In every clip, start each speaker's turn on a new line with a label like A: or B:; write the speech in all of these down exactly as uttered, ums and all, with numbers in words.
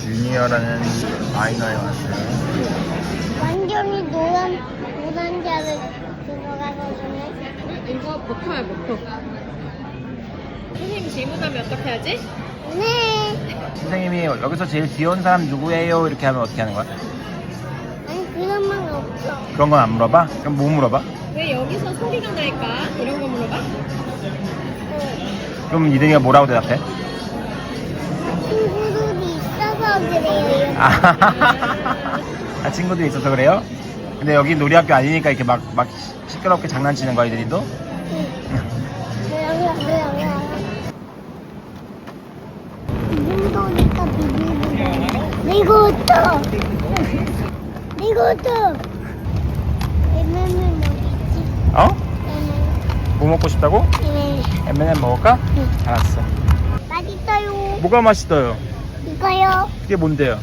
A: 주니어라는 마이너에 왔어요.
B: 완전히 노란 노란자를 들어가거든요.
C: 이거 버터야 버터. 선생님 질문하면 어떻게 하지?
B: 네.
A: 선생님이 여기서 제일 귀여운 사람 누구예요? 이렇게 하면 어떻게 하는 거야?
B: 아니 그런 말 없어.
A: 그런 건 안 물어봐? 그럼 뭐 물어봐?
C: 왜 여기서 소리가 날까? 이런 거 물어봐?
A: 그럼 이든이가 뭐라고 대답해?
B: 친구들이 있어서 그래요.
A: 아, 친구들이 있어서 그래요? 근데 여기 놀이학교 아니니까 이렇게 막, 막 시끄럽게 장난치는 거야, 이들이도?
B: 이정도니까 비비는 이것도 이것도 엠엠은 어디지?
A: 어?
B: 엠엠
A: 뭐 먹고 싶다고?
B: 네.
A: 엠 앤 엠 먹을까?
B: 응.
A: 알았어.
B: 맛있어요.
A: 뭐가 맛있어요?
B: 이거요.
A: 그게 뭔데요?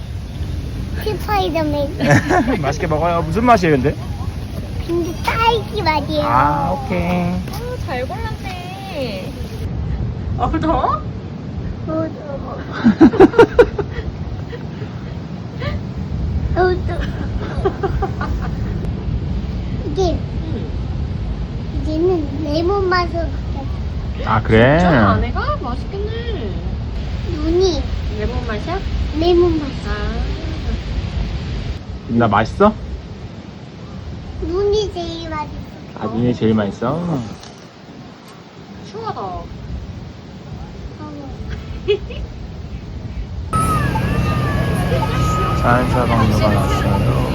B: 스파이더맨.
A: 맛있게 먹어요. 무슨 맛이에요, 근데?
B: 근데 딸기 맛이에요.
A: 아, 오케이.
C: 오, 잘 골랐네. 어, 더?
B: 어, 어, 이게 이제는 레몬 맛으로 바뀌었어.
A: 아, 그래?
C: 저 안에가 맛있겠네.
B: 눈이
C: 레몬 맛이야?
B: 레몬 맛.
C: 아.
A: 나 맛있어?
B: 눈이 제일 맛있어.
A: 아, 눈이 제일 맛있어?
C: 추워다.
A: 자연사방류가 났어요.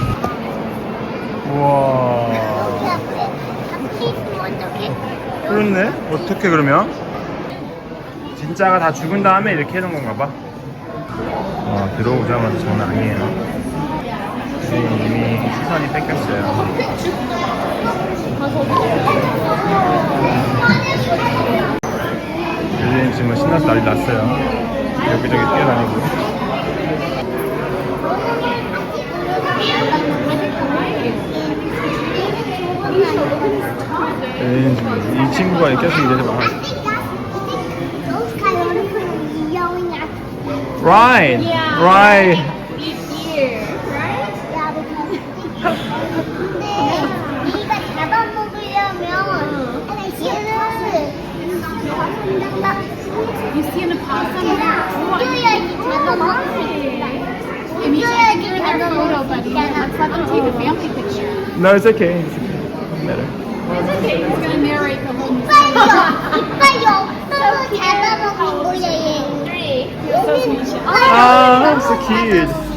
A: 우와.
B: 여기 앞에 앞에 있으면 어떡해?
A: 그렇네? 어떻게 그러면? 진짜가 다 죽은 다음에 이렇게 해놓은 건가 봐. 와, 들어오자마자 장난 아니에요. 이미 시선이 뺏겼어요. 유진 지금 신나서 난리 났어요. 여기저기 뛰어다니고. 유진 지금 이 친구가 계속 이래서 막
B: Those kind of people yelling at you.
A: Right, right.
C: Each year, right?
B: Yeah, because 근데 우리가 잡아먹으려면 얘를
C: You see in the possum?
B: 옮겨야지 잡아먹지. 옮겨야지 잡아먹지.
C: Let's let them take a family picture.
A: No, it's okay. It's okay. Doesn't matter.
C: It's okay. It's gonna narrate the whole movie.
B: 이빨이 이빨이 없어서 잡아먹은 거야 얘.
C: Three. You're so sweet.
A: Ah, so cute.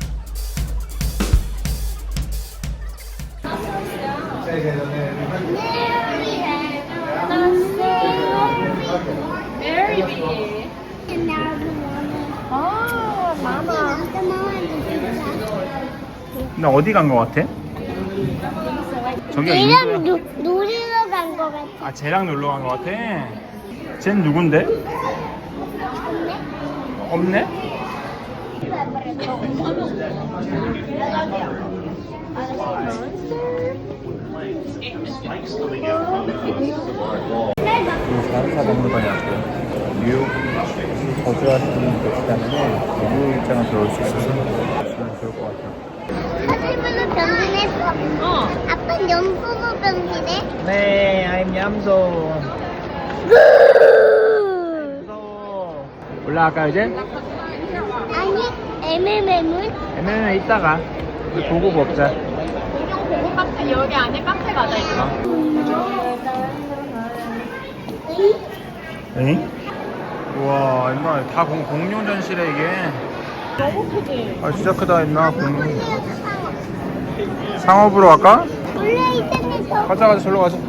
C: Very big. 아, 마마.
A: 근데 어디 간 거 같아? 저기가
B: 얘랑
A: 인도야?
B: 노, 놀이러 간 거 같아.
A: 아, 쟤랑 놀러 간 거 같아? 쟤는 누군데? 없네? 자연사 박물관이 왔고요. 뉴욕 거주하시는 분 계시다면 무료 입장을 들어올 수 있어서 있으면 좋을 것 같아요.
B: 사슴으로 변신했어.
C: 어.
B: 아빠는 염소로 변신해.
A: 네, I'm 얌소. 얌소. 올라갈까요 이제?
B: 아니, 엠엠엠은?
A: 엠엠에 이따가 우리 보고 먹자.
C: 공룡 보고 카페 여기 안에 카페 가자 이거.
A: 응? 우와, 임마 다 공, 공룡 전시래 이게.
C: 너무 크지?
A: 아, 진짜 크다 임마 공룡. 상업으로 갈까?
B: 원래 이때부터
A: 가자 가자 절로 가자.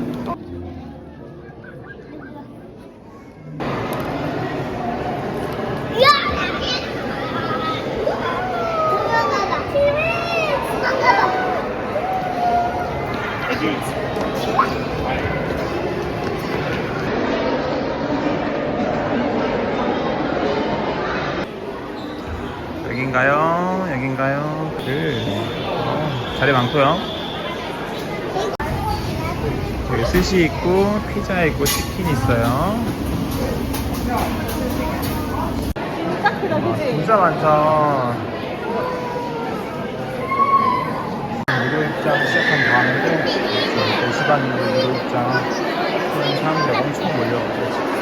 A: 여긴가요? 여긴가요? 그 어, 자리 많고요. 여기 스시 있고 피자 있고 치킨 있어요.
C: 진짜 크다, 그지?
A: 진짜 많다. 입장 시작한 다음에 또 시간 무료 입장 사람들이 엄청 몰려오고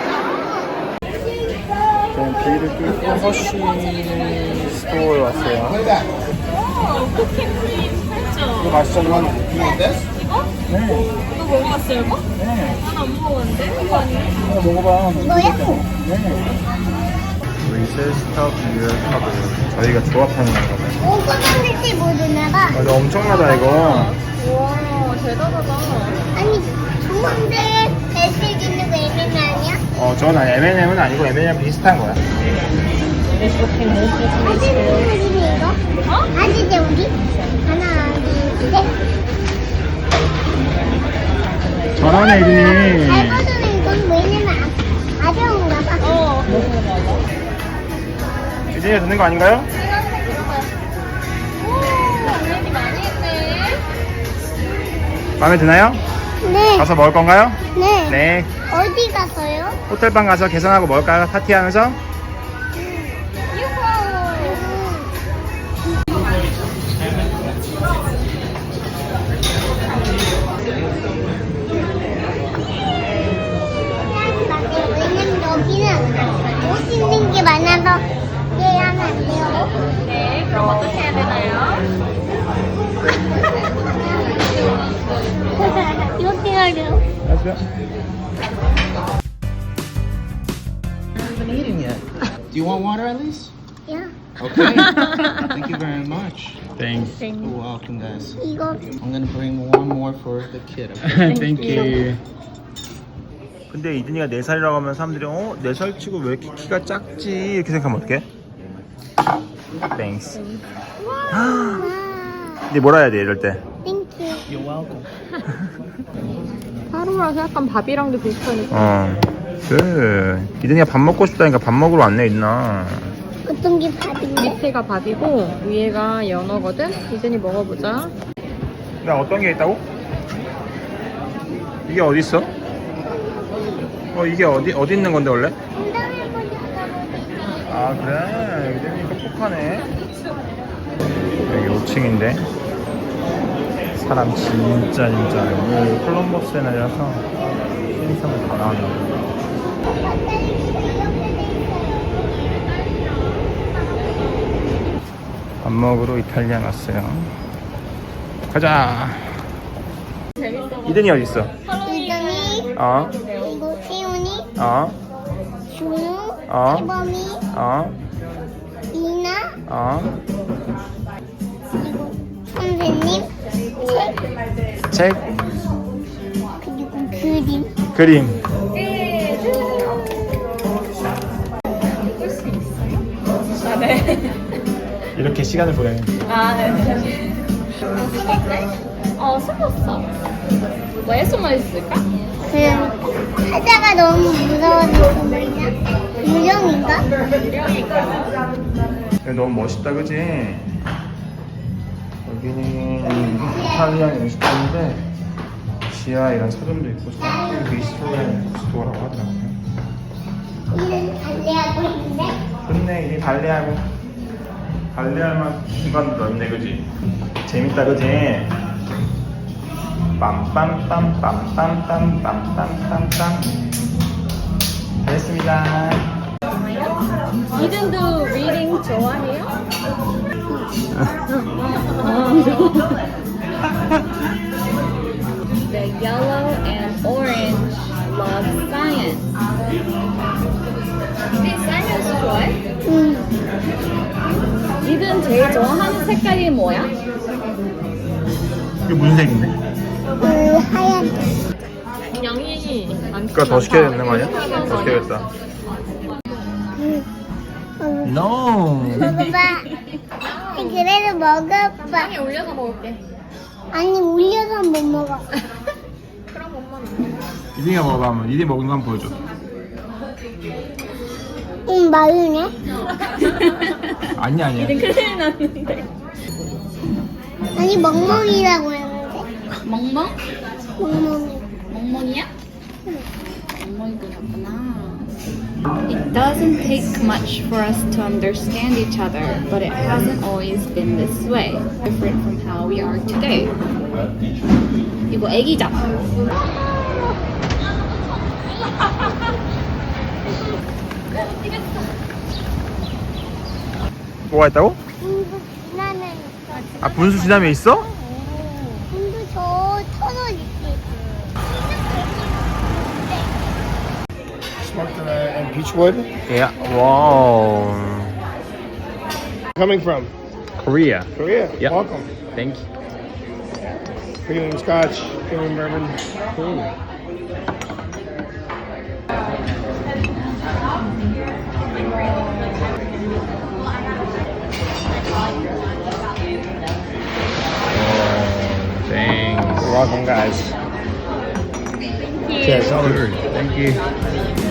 A: 저는 비를 뚫고 허쉬 스토어에 왔어요.
C: 오, 쿠킹크림 팔죠?
A: 이거 맛있잖아.
C: 이거?
A: 네.
C: 이거 먹어봤어요, 이거?
A: 네.
C: 난 안 먹어봤는데? 이거 아니에요?
A: 이거 먹어봐.
B: 뭐야?
A: 네. 리셀스탑 유얼컵을 저희가 조합하는 거거든요.
B: 오고 만들지 모르나봐.
A: 맞아, 엄청나다 이거.
C: 와, 대단하다.
B: 아니, 좋은데 배슬 있는 거 애매는 아니야?
A: 어, 저건 엠앤엠은 아니고 엠앤엠 비슷한 거야.
C: 네트워킹
B: 아직 우리 이거?
C: 어?
B: 아직 우리? 하나, 둘, 셋.
A: 저런 애들이
B: 잘 받으면 이건 왜냐면 아- 가벼운가 봐.
C: 어, 맞아.
A: 유진이가 듣는 거 아닌가요?
C: 오, 언니 많이 했네.
A: 마음에 드나요?
B: 네.
A: 가서 먹을 건가요?
B: 네.
A: 네.
B: 어디 가서요?
A: 호텔방 가서 계산하고 먹을까요? 파티하면서?
B: 왜냐면 여기는 옷 입는 게 많아서 예약하면 안 돼요.
C: 네, 그럼 어떻게 해야 되나요?
B: 이렇게 하래요.
D: haven't eaten yet. Do you want water at least?
B: 야,
D: Okay. Thank you very much.
A: Thanks.
D: You're welcome, guys.
B: 이거
D: I'm gonna bring one more for the kid. Okay?
A: Thank you. 근데 이든이가 네 살이라고 하면 사람들이 어? 네 살 치고 왜 이렇게 키가 작지? 이렇게 생각하면 어떡해? Thanks.
B: 와,
A: 이제 뭐라 해야 돼 이럴 때?
B: 땡큐.
D: You're welcome.
C: 하루라서 약간 밥이랑도 비슷하니까.
A: 어. 그 이든이가 밥 먹고 싶다니까 밥 먹으러 왔네 있나?
B: 어떤 게 밥인데?
C: 밑에가 밥이고 위에가 연어거든? 이젠이 먹어보자.
A: 나 어떤 게 있다고? 이게 어디 있어? 어 이게 어디 어디 있는 건데 원래? 아 그래 이든이 똑똑하네. 여기 오 층인데 사람 진짜 진짜 오늘 콜럼버스의 날이라서 신입사원 다 나왔나. 밥 먹으러 이탈리아 갔어요. 가자. 이든이 어디 있어?
B: 이동이,
A: 어?
B: 그리고 세훈이,
A: 어?
B: 준우,
A: 어?
B: 이범이,
A: 어?
B: 이나,
A: 어?
B: 그리고 선생님, 책,
A: 책?
B: 그리고 그림.
A: 그림.
C: 아, 네.
A: 이렇게 시간을 보내는.
C: 아, 네. 어, 숨었어. 왜 숨어 있을까?
B: 그 하다가 너무 무서워서 그러냐? 유령인가?
A: 너무 멋있다, 그지? 여기는 이탈리안 음식점인데 지하 이런 서점도 있고 저기 미스토리안 스토어라고 하더라고요.
B: 이는 달래하고 있는데?
A: 좋네, 이게 발레하고 발레할 만 공간도 넓네, 그지? 재밌다, 그지? 빰빰빰빰빰빰빰빰빰빰 됐습니다.
C: 이든도 리딩 좋아해요? The yellow and orange love science. 이든 사이언스 좋아해?
B: 응.
C: 이든 제일 좋아하는 색깔이 뭐야?
A: 이게 무슨 색인데?
B: 그 하얀.
C: 양이 안
A: 그거 더 시켜야 되는 거 아니야? 더 시켜야겠다.
B: 응. 응.
A: No.
B: 먹어봐. 그래도 먹어봐.
C: 빵에 올려서 먹을게.
B: 아니 올려서 못 먹어.
C: 그럼 엄마는.
A: 이든이가 먹어봐 한번. 이든이 먹는 거 한번 보여줘.
B: 응 마르네.
A: 아니야 아니야.
C: 이든 큰일 났는데.
B: 아니 멍멍이라고 했는데.
C: 멍멍?
B: 멍멍이.
C: 멍멍이야? 멍멍이 그렸구나. It doesn't take much for us to understand each other, but it hasn't always been this way. Different from how we are today. 이거 애기잖아.
A: 뭐가 있다고?
B: 분수 지나면 있어.
A: 아 분수 지나면 있어?
B: 분수 저 터널 있지.
E: Smoked uh, and Beechwood.
A: Yeah. Wow.
E: Coming from
A: Korea.
E: Korea.
A: Yeah.
E: Welcome.
A: Thank you.
E: Premium Scotch, premium bourbon.
A: Thanks.
E: You're welcome, guys.
A: Cheers. Thank you.